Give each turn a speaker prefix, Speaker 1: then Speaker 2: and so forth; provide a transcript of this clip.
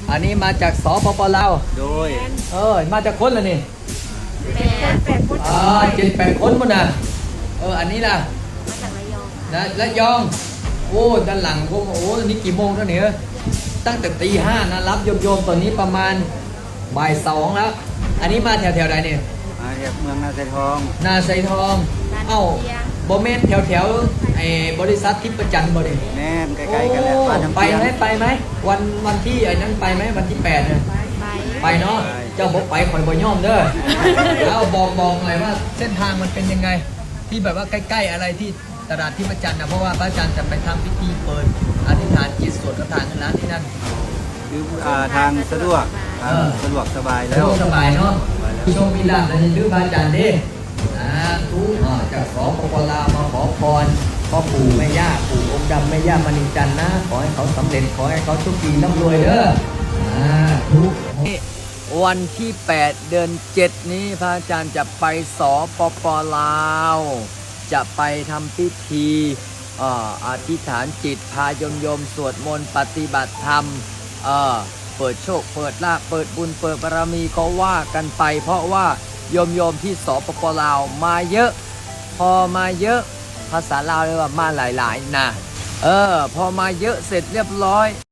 Speaker 1: อันนี้มาจากสปปลาว
Speaker 2: โดย
Speaker 1: มาจากคนละนี่
Speaker 3: 8 คน
Speaker 1: 7-8 คนมั้งนะอันนี้ล่ะ
Speaker 3: มาจากระยอง
Speaker 1: นะระยองโอ้ด้านหลังพวกนี่กี่โมงแล้วเนี่ยตั้งแต่ตี 5นะรับโยมตอนนี้ประมาณบ่าย 2แล้วอันนี้มาแถวใดเนี่ย
Speaker 2: มาจากเมืองนาไซทอง
Speaker 1: นาไซทองโบเมนแถวไอ้บริษัททิพย์ประจันบ่ดิ
Speaker 2: แน่ใกล้ๆกันแล้ว
Speaker 1: ไปไหมวันที่ไอ้นั้นไปไหมวันที่8เนี่ยไปเนาะเจ้าบอกไปคอยบ่ย่อมเด้อแล้วบอกหน่อยว่าเส้นทางมันเป็นยังไงที่แบบว่าใกล้ๆอะไรที่ตลาดทิพย์ประจันนะเพราะว่าพระอาจารย์จะไปทำพิธีเปิดอธิษฐานจิตสวดคาถาเงินล้านที่นั่น
Speaker 2: คือทางสะดวกสบายแล้ว
Speaker 1: สบายเนาะโชคมีลาภเลยชื่อพระอาจารย์ดิทุกจากสปปลาวมาขอพรพ่อปู่แม่ย่าปู่องค์ดำแม่ย่ามณีจันทร์นะขอให้เขาสำเร็จขอให้เขาโชคดีร่ำรวยเด้อทุกวันที่ 8 เดือน 7 นี้พระอาจารย์จะไปสปปลาวจะไปทำพิธีอธิษฐานจิตพาโยมสวดมนต์ปฏิบัติธรรมเปิดโชคเปิดลาภเปิดบุญเปิดบารมีก็ว่ากันไปเพราะว่าโยมที่สปปลาวมาเยอะพอมาเยอะภาษาลาวเรียกว่ามาหลายๆนะพอมาเยอะเสร็จเรียบร้อย